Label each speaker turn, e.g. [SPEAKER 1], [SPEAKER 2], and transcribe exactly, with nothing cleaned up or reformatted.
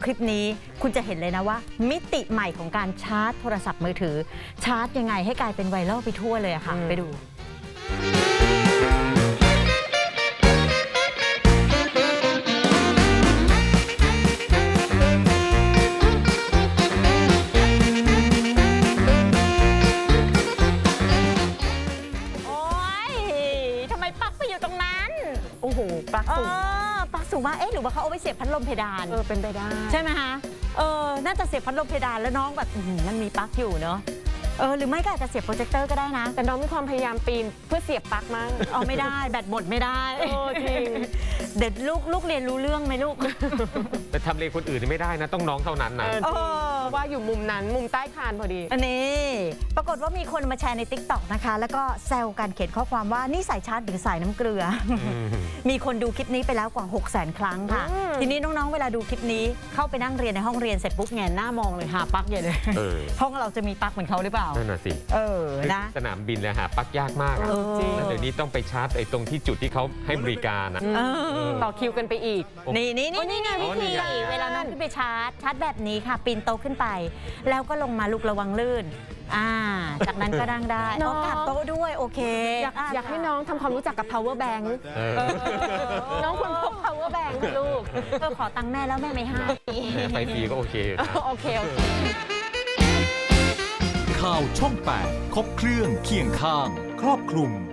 [SPEAKER 1] คลิปนี้คุณจะเห็นเลยนะว่า มิติใหม่ของการชาร์จโทรศัพท์มือถือชาร์จยังไงให้กลายเป็นไวรัลไปทั่วเลยอะค่ะไปดู
[SPEAKER 2] โอ้โหปลั๊กสูง
[SPEAKER 1] ปลั๊กสูงมากเอ๊ะหรือว่าเขาเอาไปเสียบพัดลมเพดาน
[SPEAKER 2] เออเป็นไปได้
[SPEAKER 1] ใช่ไหมคะเออน่าจะเสียบพัดลมเพดานแล้วน้องแบบมันมีปลั๊กอยู่เนาะเออหรือไม่ก็อาจจะเสียบโปรเจคเตอร์ก็ได้นะ
[SPEAKER 2] แต่น้องมีความพยายามปีนเพื่อเสียบปลั๊กมั้ง
[SPEAKER 1] เอาไม่ได้แบตหมดไม่ได้
[SPEAKER 2] โอ้จริง
[SPEAKER 1] เด็ดลูกลูกเรียนรู้เรื่องไหมลูก
[SPEAKER 3] แต่ทำเลคนอื่นไม่ได้นะต้องน้องเท่านั้นนะ
[SPEAKER 2] ว่าอยู่มุมนั้นมุมใต้คานพอดี
[SPEAKER 1] อันนี้ปรากฏว่ามีคนมาแชร์ใน ติ๊กต็อก นะคะแล้วก็แซวกันเขียนข้อความว่านี่สายชาร์จหรือสายน้ำเกลือมีคนดูคลิปนี้ไปแล้วกว่า หกแสน ครั้งค่ะทีนี้น้องๆเวลาดูคลิปนี้เข้าไปนั่งเรียนในห้องเรียนเสร็จปุ๊บแงนหน้ามองเลยหาปลั๊กใหญ่เลยห้องเราจะมีปลั๊กเหมือนเขาหรือเปล่า
[SPEAKER 3] นั่นน่ะสิ
[SPEAKER 1] เออนะ
[SPEAKER 3] สนามบินเลยหาปลั๊กยากมาก
[SPEAKER 1] จริง
[SPEAKER 3] เดี๋ยวนี้ต้องไปชาร์จไอ้ตรงที่จุดที่เขาให้บริการนะ
[SPEAKER 2] ต่อคิวกันไปอีก
[SPEAKER 1] นี่นี่นี่นี่ไงวิธีเวลาน้องขึ้นไปชาร์จชาร์จแบบนี้ค่ะปีนโต๊ะขึ้นไปแล้วก็ลงมาลุกระวังลื่นอ่าจากนั้นก็นั่งได้น้องกลับโต๊ะด้วยโอเค
[SPEAKER 2] อยากอยากให้น้องทำความรู้จักกับ power bank น้องควรพก power bank ลูก
[SPEAKER 1] ก็ขอตังค์แม่แล้วแม่ไม่ให้
[SPEAKER 3] ไฟฟรีก็โอเค
[SPEAKER 2] โอเคโอเค
[SPEAKER 4] ข่าวช่องแปดครบเครื่องเคียงข้างครอบคลุม